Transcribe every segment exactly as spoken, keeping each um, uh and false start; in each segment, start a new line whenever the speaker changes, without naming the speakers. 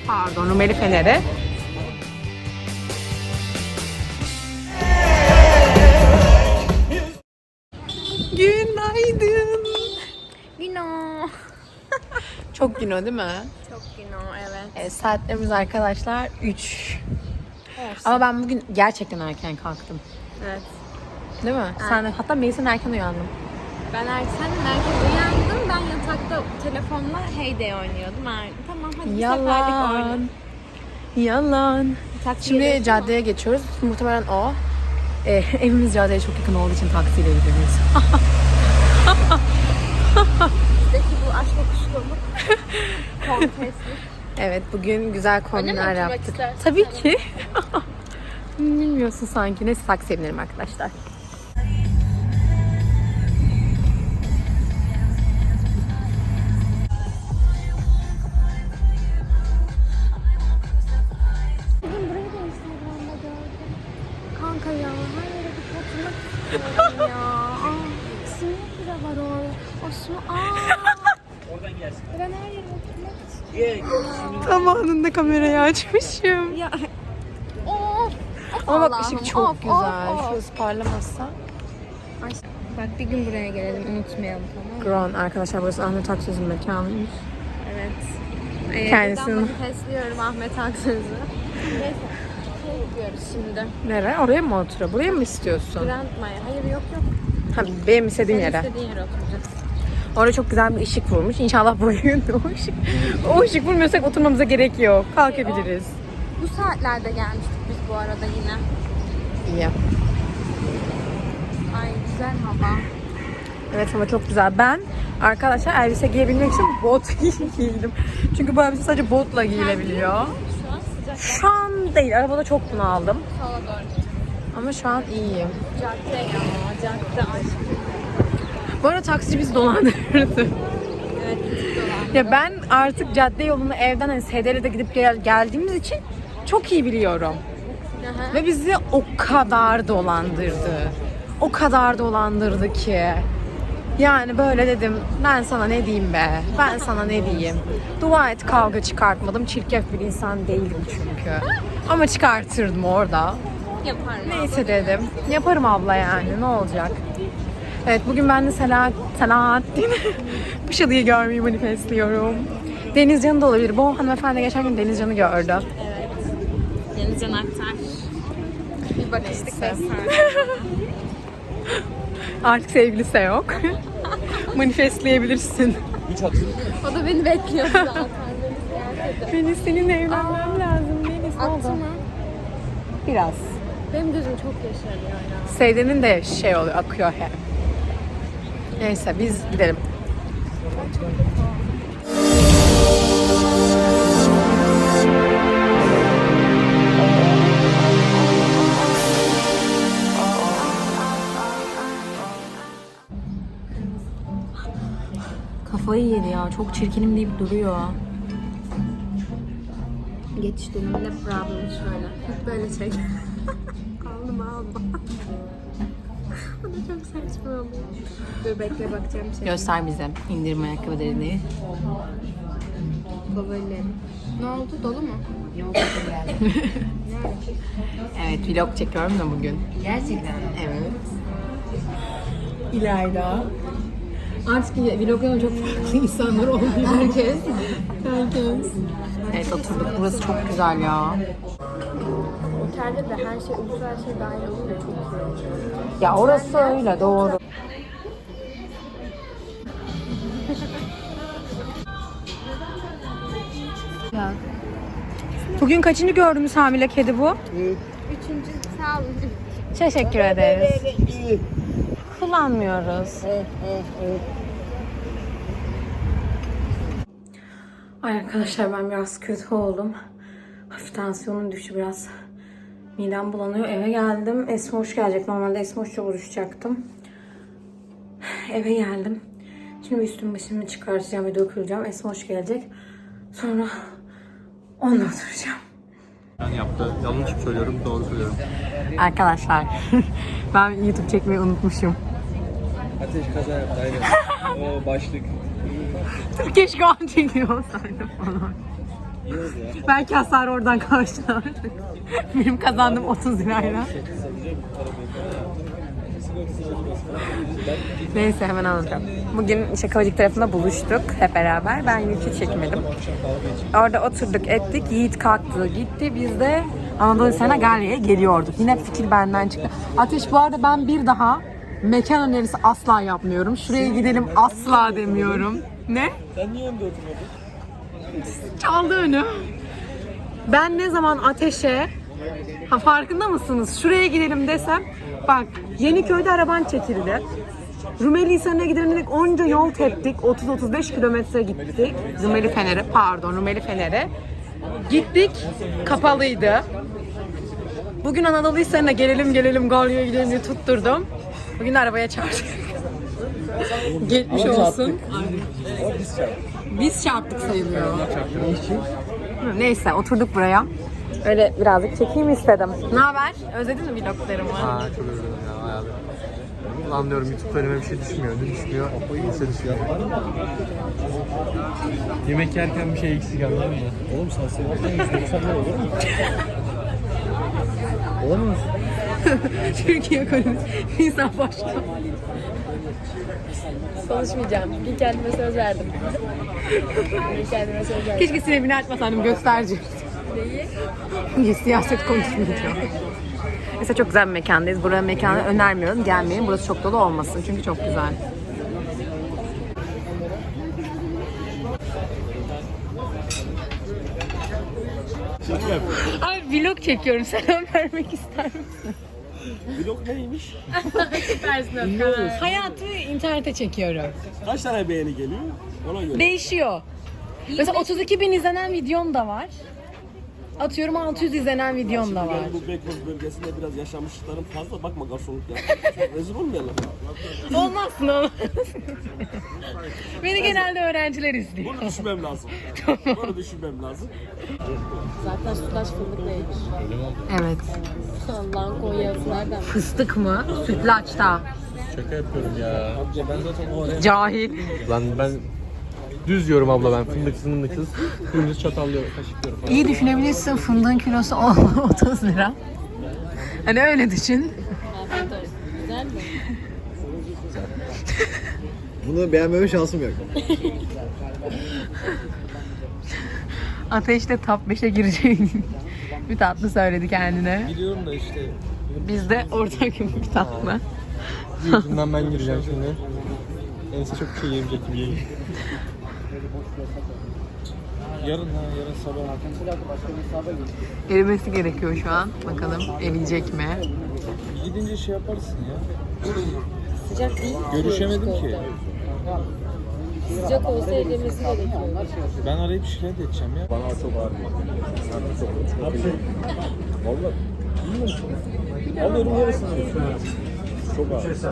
Pardon, Rumeli Feneri. Günaydın.
Güno.
Çok güno değil mi?
Çok güno, evet.
Evet, saatlerimiz arkadaşlar üç. Ama ben bugün gerçekten erken kalktım.
Evet.
Değil mi? Evet. Sen de, hatta Melisa'nın erken uyandım.
Ben erken erken uyandım. Ben yatakta telefonla Hey Day oynuyordum. Er, tamam hadi bir seferlik
Yalan.
oynayalım.
Yalan.
Taksiye
Şimdi
geçtim
caddeye geçiyoruz. Muhtemelen o. Ee, evimiz caddeye çok yakın olduğu için taksiyle gidiyoruz.
Bizdeki bu aşk okuşluluk. Konteslik.
Evet, bugün güzel kombinler
oturmak
yaptık.
istersin
Tabii
sen?
ki. Bilmiyorsun sanki. Neyse, taksiye binelim arkadaşlar.
Bugün burayı da Instagram'da gördüm. Kanka ya her yere bir oturmak istiyorum ya. Aa, simit de var orada. O su. Aa. Oradan gelsin. Ben her yere oturmak istiyorum.
Tam anında kamerayı açmışım.
Ya. Of.
Ama bak,
Allah'ım,
ışık çok
of,
güzel.
of, of.
Şu ısparlamazsa.
Ay, bak bir gün buraya gelelim, unutmayalım, tamam mı?
Grand arkadaşlar, burası Ahmet Aksöz'ün mekanıymış.
Evet. Ee,
Kendisini-
Buradan manifestliyorum Ahmet Aksöz'ü. Neyse. Şey gidiyoruz şimdi.
Nere? Oraya mı oturuyor? Buraya mı istiyorsun?
Grand Maya. Hayır yok yok.
Ha, benim istediğim
Senin
yere.
istediğin yere oturacağız.
Orada çok güzel bir ışık vurmuş. İnşallah bu gün o ışık, o ışık vurmuyorsak oturmamıza gerek yok. Kalkabiliriz.
Bu saatlerde gelmiştik biz bu arada yine.
İyi.
Ay güzel hava.
Evet, ama çok güzel. Ben arkadaşlar elbise giyebilmek için bot giydim. Çünkü bu elbise sadece botla giyilebiliyor.
Şu an sıcak.
Şu an değil. Arabada çok bunaldım.
Sola doğru gidiyoruz.
Ama şu an iyiyim.
Cadde ya. Cadde aşk.
Bu arada taksici bizi dolandırdı.
Evet. dolan.
Ya ben artık cadde yolunu evden hani S D L'de gidip gel- geldiğimiz için çok iyi biliyorum.
Aha.
Ve bizi o kadar dolandırdı. O kadar dolandırdı ki. Yani böyle dedim, ben sana ne diyeyim be, ben sana ne diyeyim. Dua et kavga çıkartmadım, çirkef bir insan değilim çünkü. Ama çıkartırdım orada.
Yaparım.
Neyse dedim, yaparım abla yani, ne olacak. Evet, bugün ben de Selahat, Selahattin Kuşada'yı görmeyi manifestliyorum. Denizcan'ı da olabilir. Bu hanımefendi geçen gün Denizcan'ı gördü.
Evet. Denizcan Aktar. Bir bakıştık beş saniye.
Artık sevgilisi yok. Manifestleyebilirsin.
O da beni bekliyordu zaten. Beni
Melis, seninle evlenmem lazım. Melis, ne
Attı
oldu?
mı?
Biraz.
Benim gözüm çok yaşarıyor ya.
Sevdenin de şey oluyor, akıyor hep. Neyse, biz gidelim. Kafayı yedi ya. Çok çirkinim deyip duruyor.
Geçiş döneminde problem şöyle. Hep böyle çek. Aldım aldım. O da çok saçma oluyor. Dur bekle bakacağım şey.
Göster bize indirim ayakkabılarını.
Favorilerim. Ne oldu? Dolu mu?
Evet, vlog çekiyorum da bugün.
Gerçekten.
Evet. İlayda. Artık vloglarında çok farklı insanlar oluyor. Herkes. Herkes. Evet, oturduk. Burası çok güzel ya.
Otelde de her şey, ucuz her şey dahil olunca çok iyi.
Ya orası öyle, doğru. Ya. Bugün kaçıncı gördüğümüz hamile kedi bu?
Üçüncü sağ olun.
Teşekkür ederiz. Kullanmıyoruz. Ay arkadaşlar, ben biraz kötü oldum. Hafif tansiyonum düştü biraz. Midem bulanıyor. Eve geldim. Esma hoş gelecek. Normalde Esma hoşça buluşacaktım. Eve geldim. Şimdi üstümü başımı çıkartacağım ve döküleceğim. Esma hoş gelecek. Sonra onunla oturacağım.
Ben yaptı. Yanlış mı söylüyorum, doğru söylüyorum.
Arkadaşlar ben YouTube çekmeyi unutmuşum.
Ateş kaza yaptı, aynen. O başlık.
Keşke o an çekiyor olsaydım falan. Belki hasar oradan karşılar. Benim kazandım otuz lirayla. Neyse hemen anlatacağım. Bugün işte Kavacık tarafında buluştuk hep beraber. Ben Yiğit'i çekmedim. Orada oturduk ettik. Yiğit kalktı gitti. Biz de Anadolu Hisarı'na Galya'ya geliyorduk. Yine fikir benden çıktı. Ateş bu arada ben bir daha mekan önerisi asla yapmıyorum. Şuraya gidelim asla demiyorum. Ne?
Sen niye önde oturmadın?
Çaldı önü. Ben ne zaman Ateş'e ha farkında mısınız? Şuraya gidelim desem bak Yeniköy'de araban çekildi. Rumeli Hisarı'na gidelim dedik onca yol teptik. otuz otuz beş kilometre gittik. Rumeli Fener'e pardon Rumeli Fener'e. Gittik kapalıydı. Bugün Anadolu Hisarı'na gelelim gelelim Galya'ya gidelim diye tutturdum. Bugün arabaya çarptık. Geçmiş olsun. Biz çarptık sayılıyor. Neyse oturduk buraya. Öyle birazcık çekeyim istedim. Ne haber? Özledin mi vloglarımı?
Aa çok özledim ya hayatım. Ulan diyorum YouTube'da önüme bir şey düşmüyor. Ne düşmüyor? Neyse düşüyor. Yemek yerken bir şey eksik anladın mı? Oğlum sen seversen yüz doksan lira olur mu? Olamaz.
Türkiye ekonomisi. İnsan başka. Konuşmayacağım. Bir kendime söz verdim. Bir kendime söz verdim. Keşke sinebini açmasaydım gösterici. Neyi? Siyaset konuşmayacağım. Mesela çok güzel bir mekandayız. Buranın mekanı önermiyorum. Gelmeyin. Burası çok dolu olmasın. Çünkü çok güzel. Ay vlog çekiyorum. Selam vermek ister misin?
Vlog neymiş?
Süpersin. Hayatı internete çekiyorum.
Kaç tane beğeni geliyor? Ona göre.
Değişiyor. Mesela otuz iki bin izlenen videom da var. Atıyorum altı yüz izlenen videom da var.
Ben bu Beykoz bölgesinde biraz yaşamışlıklarım fazla. Bakma garsonluk ya. Rezil olmayalım.
Olmazsın olmaz. Beni genelde öğrenciler izliyor.
Bunu düşünmem lazım. Bunu düşünmem lazım.
Zaten sütlaç fındıkla yemiş.
Evet.
Allah'ın Konya'sı nereden?
Fıstık mı? Sütlaçta.
Şaka yapıyorum ya.
Ben zaten o
Cahil.
Lan ben düz yiyorum abla ben fındıksız fındıksız. Dümdüz çatallıyorum, kaşıklıyorum falan.
İyi düşünebilirsin. Fındığın kilosu otuz lira. Hani öyle düşün.
Afiyet olsun. Güzel mi?
Bunu beğenmeme şansım yok.
Ateş de top beşe girecek. Bir tatlı söyledi kendine.
Biliyorum da işte.
Biz de ortak bir tatlı.
Yüzünden ben gireceğim şimdi. Neyse çok bir şey yemeyecek gibi geliyor. Yarın ha, yarın sabah.
Erimesi gerekiyor şu an. Bakalım eriyecek mi?
Gidince şey yaparsın ya.
Sıcak değil.
Görüşemedim ki.
Sıcak olsa edilmesi gerekiyor.
Ben arayıp şikayet edeceğim ya.
Bana çok ağır. Çok çok Valla alıyorum yarısını. Çok ağır.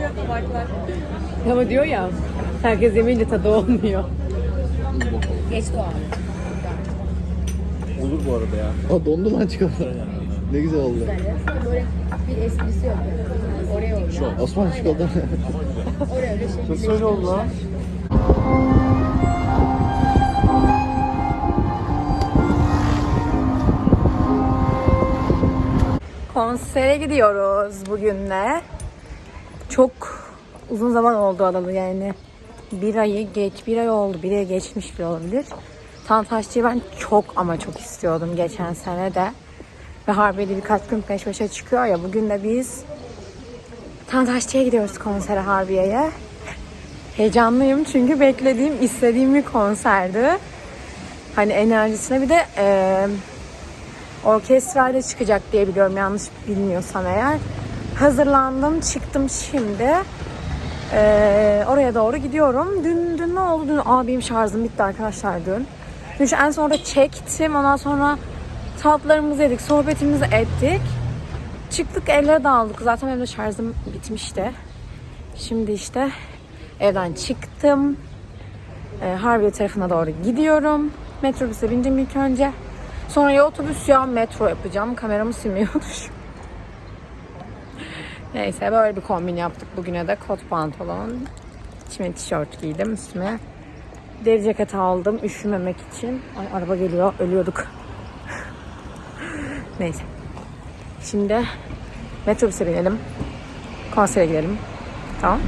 Ama diyor ya, herkes yemeyince tadı olmuyor.
Geç doğal.
Olur bu arada ya. Aa dondu lan çikolata. Ne güzel oldu.
Böyle bir esprisi yok. Oraya oraya.
Osman çikolata.
Oraya öyle şey.
Nasıl öyle oldu lan?
Konsere gidiyoruz bugün de. Çok uzun zaman oldu alalı yani. Bir ayı geç, bir ay oldu. Bir ay geçmiş bile olabilir. Tantaşçı'yı ben çok ama çok istiyordum geçen sene de. Ve Harbiye'de birkaç gün peş peşe çıkıyor ya. Bugün de biz Tantaşçı'ya gidiyoruz konsere Harbiye'ye. Heyecanlıyım çünkü beklediğim, istediğim bir konserdi. Hani enerjisine bir de e, orkestrayla çıkacak diye biliyorum yanlış bilmiyorsam eğer. Hazırlandım, çıktım şimdi. Ee, oraya doğru gidiyorum. Dün, dün ne oldu? Dün abim şarjım bitti arkadaşlar dün. Dün şu en sonra çektim. Ondan sonra tatlarımızı yedik, sohbetimizi ettik. Çıktık, evlere dağıldık. Zaten benim de şarjım bitmişti. Şimdi işte evden çıktım. Ee, Harbiye tarafına doğru gidiyorum. Metrobüse bindim ilk önce. Sonra ya otobüs ya metro yapacağım. Kameramı silmiyormuş. Neyse böyle bir kombin yaptık bugüne de. Kot pantolon, içime tişört giydim, üstüme Deri ceket aldım üşümemek için. Ay araba geliyor, ölüyorduk. Neyse. Şimdi metrobüse binelim. Konsere gidelim. Tamam.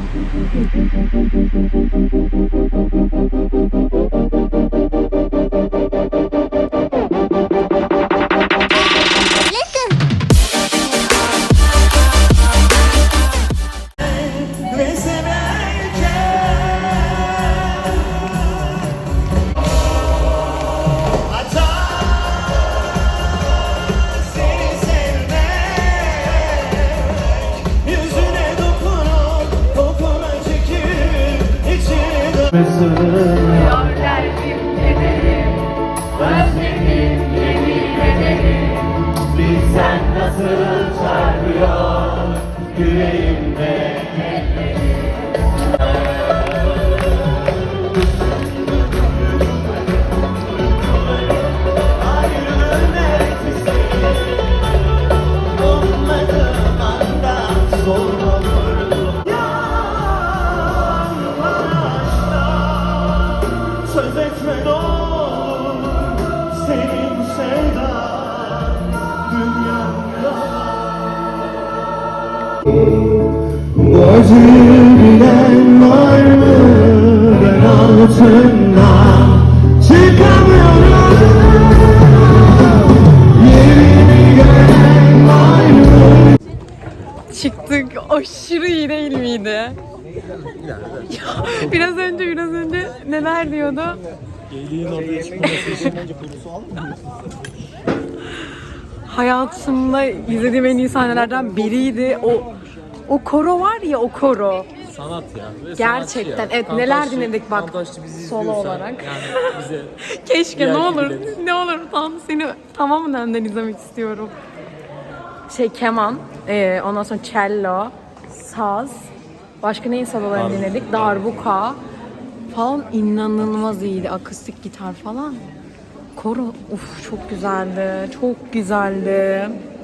Söz etme ne olur, senin sevdan dünyamda. Bu acıyı bilen var mı? Ben altından çıkamıyorum. Yerimi gören var mı?
Çıktık. Aşırı iyi değil miydi? Ya, biraz önce biraz önce neler diyordu?
Geyliğin ortaya çıkması için bence konusu almıyor.
Hayatımda izlediğim en iyi sahnelerden biriydi. O o koro var ya, o koro.
Sanat ya. Ve
Gerçekten.
sanatçı ya.
Evet, neler
Kantaşçı-
dinledik bak,
Kantaşçı bizi
solo
izliyorsa
olarak.
Yani bize
Keşke
diğer
ne olur
gibileri.
ne olur tam seni tamamen önden izlemek istiyorum. Şey keman, e, ondan sonra cello, saz, başka neyin sololarını dinledik? Darbuka falan inanılmaz iyiydi. Akustik gitar falan. Koro uf çok güzeldi. Çok güzeldi.